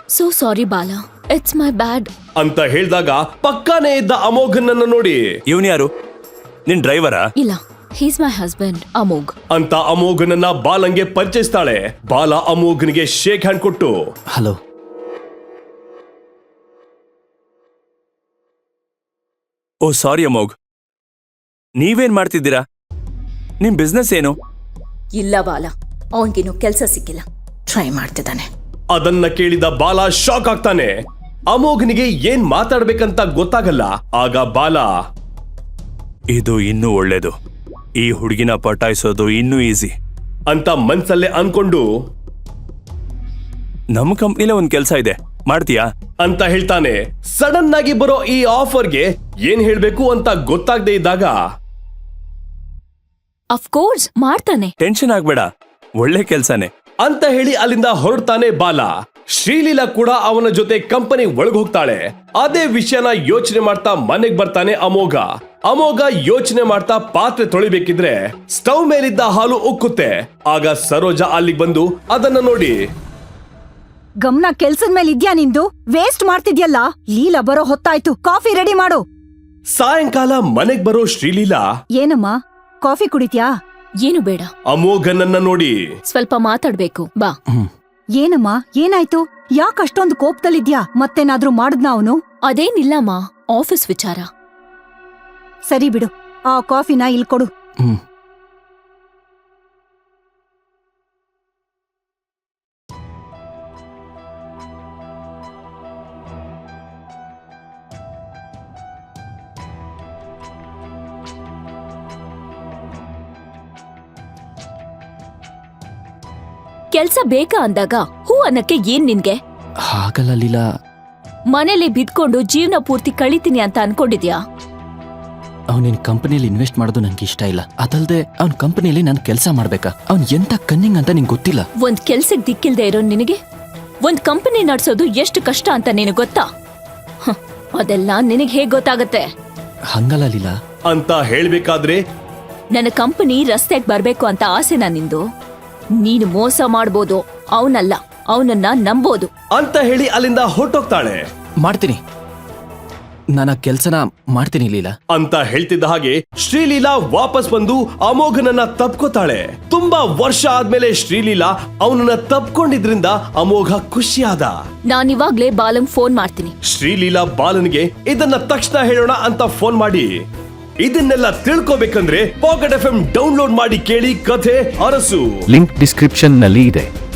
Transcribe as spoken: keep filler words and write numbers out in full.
So sorry ಬಾಲ, it's my ಬ್ಯಾಡ್ ಅಂತ ಹೇಳಿದಾಗ ಪಕ್ಕಾನೇ ಇದ್ದ ಅಮೋಘನನ್ನ ನೋಡಿ, ಇವನ್ ಯಾರು? ನಿನ್ ಡ್ರೈವರಾ? ಇಲ್ಲ, ಹೀಸ್ ಮೈ ಹಸ್ಬೆಂಡ್ ಅಮೋಘ್ ಅಂತ ಅಮೋಘನನ್ನ ಬಾಲಂಗೆ ಪರಿಚಯಿಸ್ತಾಳೆ. ಬಾಲ ಅಮೋಘನಿಗೆ ಶೇಕ್ ಹ್ಯಾಂಡ್ ಕೊಟ್ಟು, ಹಲೋ. ಓ ಸಾರಿ ಅಮೋಘ್, ನೀವೇನ್ ಮಾಡ್ತಿದ್ದೀರಾ? ನಿಮ್ ಬಿಸ್ನೆಸ್ ಏನು? ಇಲ್ಲ ಬಾಲ, ಅವನ್ಗಿನ್ನು ಕೆಲ್ಸ ಸಿಕ್ಕಿಲ್ಲ, ಟ್ರೈ ಮಾಡ್ತಿದ್ದಾನೆ. ಅದನ್ನ ಕೇಳಿದ ಬಾಲ ಶಾಕ್ ಆಗ್ತಾನೆ. ಅಮೋಘನಿಗೆ ಏನ್ ಮಾತಾಡ್ಬೇಕಂತ ಗೊತ್ತಾಗಲ್ಲ. ಆಗ ಬಾಲ, ಇದು ಇನ್ನೂ ಒಳ್ಳೇದು, ಈ ಹುಡುಗಿನ ಪಟಾಯಿಸೋದು ಇನ್ನೂ ಈಸಿ ಅಂತ ಮನ್ಸಲ್ಲೇ ಅನ್ಕೊಂಡು, ನಮ್ ಕಂಪ್ನಿಲೇ ಒಂದ್ ಕೆಲ್ಸ ಇದೆ, ಮಾಡ್ತೀಯಾ ಅಂತ ಹೇಳ್ತಾನೆ. ಸಡನ್ ಆಗಿ ಬರೋ ಈ ಆಫರ್ಗೆ ಏನ್ ಹೇಳ್ಬೇಕು ಅಂತ ಗೊತ್ತಾಗದೆ ಇದ್ದಾಗ, ಅಫ್ಕೋರ್ಸ್ ಮಾಡ್ತಾನೆ, ಟೆನ್ಷನ್ ಆಗ್ಬೇಡ, ಒಳ್ಳೆ ಕೆಲ್ಸನೇ ಅಂತ ಹೇಳಿ ಅಲ್ಲಿಂದ ಹೊರಡ್ತಾನೆ ಬಾಲ. ಶ್ರೀಲೀಲಾ ಕೂಡ ಅವನ ಜೊತೆ ಕಂಪನಿ ಒಳಗ್ ಹೋಗ್ತಾಳೆ. ಅದೇ ವಿಷಯನ ಯೋಚನೆ ಮಾಡ್ತಾ ಮನೆಗ್ ಬರ್ತಾನೆ ಅಮೋಘ. ಅಮೋಘ ಯೋಚನೆ ಮಾಡ್ತಾ ಪಾತ್ರೆ ತೊಳಿಬೇಕಿದ್ರೆ ಸ್ಟವ್ ಮೇಲಿದ್ದ ಹಾಲು ಉಕ್ಕುತ್ತೆ. ಆಗ ಸರೋಜಾ ಅಲ್ಲಿಗೆ ಬಂದು ಅದನ್ನ ನೋಡಿ, ಗಮನ ಕೆಲ್ಸದ ಮೇಲೆ ಇದ್ಯಾ ನಿಂದು? ವೇಸ್ಟ್ ಮಾಡ್ತಿದ್ಯಲ್ಲ. ಲೀಲಾ ಬರೋ ಹೊತ್ತಾಯ್ತು, ಕಾಫಿ ರೆಡಿ ಮಾಡು. ಸಾಯಂಕಾಲ ಮನೆಗ್ ಬರೋ ಶ್ರೀಲೀಲಾ, ಏನಮ್ಮ ಕಾಫಿ ಕುಡಿತ್ಯಾ? ಏನು ಬೇಡ, ಅಮೋಘನನ್ನ ನೋಡಿ, ಸ್ವಲ್ಪ ಮಾತಾಡ್ಬೇಕು ಬಾ. ಏನಮ್ಮ ಏನಾಯ್ತು? ಯಾಕೆ ಅಷ್ಟೊಂದು ಕೋಪದಲ್ಲಿದ್ಯಾ? ಮತ್ತೇನಾದ್ರೂ ಮಾಡಿದ್ನ ಅವನು? ಅದೇನಿಲ್ಲಮ್ಮ, ಆಫೀಸ್ ವಿಚಾರ. ಸರಿ ಬಿಡು, ಆ ಕಾಫಿನ ಇಲ್ ಕೊಡು. ಹ್ಮ್ ಕೆಲ್ಸ ಬೇಕಾ ಅಂದಾಗ ಹೂ ಅನ್ನಕ್ಕೆ ಏನ್ ನಿನ್ಗೆ? ಹಾಗಲ್ಲ ಲೀಲಾ, ಮನೇಲಿ ಬಿದ್ಕೊಂಡು ಜೀವನ ಪೂರ್ತಿ ಕಳಿತೀನಿ ಅಂತ ಅನ್ಕೊಂಡಿದ್ಯಾ? ಅವನಿನ್ ಕಂಪನಿಯಲ್ಲಿ ಇನ್ವೆಸ್ಟ್ ಮಾಡೋದು ನಂಗೆ ಇಷ್ಟ ಇಲ್ಲ. ಅದಲ್ದೆ ಅವ್ನ ಕಂಪನಿಯಲ್ಲಿ ನಾನು ಕೆಲಸ ಮಾಡ್ಬೇಕಾ? ಅವ್ನ್ ಎಂತ ಕನ್ನಿಂಗ್ ಅಂತ ನಿಂಗೆ ಗೊತ್ತಿಲ್ಲ. ಒಂದ್ ಕೆಲ್ಸಕ್ ದಿಕ್ಕಿಲ್ದೆ ಇರೋ ನಿನಗೆ ಒಂದ್ ಕಂಪನಿ ನಡ್ಸೋದು ಎಷ್ಟು ಕಷ್ಟ ಅಂತ ನಿನಗ್ ಗೊತ್ತಾ? ಹ, ಅದೆಲ್ಲ ನಿನಗ್ ಹೇಗ್ ಗೊತ್ತಾಗತ್ತೆ? ಹಂಗಲ್ಲ ಲೀಲಾ. ಅಂತ ಹೇಳ್ಬೇಕಾದ್ರೆ, ನನ್ನ ಕಂಪನಿ ರಸ್ತೆಗ್ ಬರ್ಬೇಕು ಅಂತ ಆಸೆನಾ ನಿಂದು? ನೀನು ಮೋಸ ಮಾಡ್ಬೋದು, ಅವನಲ್ಲ, ಅವನನ್ನ ನಂಬೋದು ಅಂತ ಹೇಳಿ ಅಲ್ಲಿಂದ ಹೊರಟೋಗ್ತಾಳೆ. ಮಾಡ್ತೀನಿ, ನಾನು ಆ ಕೆಲ್ಸನ ಮಾಡ್ತೀನಿ ಲೀಲಾ ಅಂತ ಹೇಳ್ತಿದ್ದ ಹಾಗೆ ಶ್ರೀಲೀಲಾ ವಾಪಸ್ ಬಂದು ಅಮೋಘನನ್ನ ತಪ್ಕೋತಾಳೆ. ತುಂಬಾ ವರ್ಷ ಆದ್ಮೇಲೆ ಶ್ರೀಲೀಲಾ ಅವನನ್ನ ತಪ್ಕೊಂಡಿದ್ರಿಂದ ಅಮೋಘ ಖುಷಿಯಾದ. ನಾನಿವಾಗ್ಲೇ ಬಾಲಂಗ್ ಫೋನ್ ಮಾಡ್ತೀನಿ. ಶ್ರೀಲೀಲಾ ಬಾಲನ್ಗೆ ಇದನ್ನ ತಕ್ಷಣ ಹೇಳೋಣ ಅಂತ ಫೋನ್ ಮಾಡಿ, ಇದನ್ನೆಲ್ಲ ತಿಳ್ಕೋಬೇಕಂದ್ರೆ ಪಾಕೆಟ್ ಎಫ್ ಎಂ ಡೌನ್ಲೋಡ್ ಮಾಡಿ ಕೇಳಿ ಕಥೆ ಅರಸು. ಲಿಂಕ್ ಡಿಸ್ಕ್ರಿಪ್ಷನ್ ನಲ್ಲಿ ಇದೆ.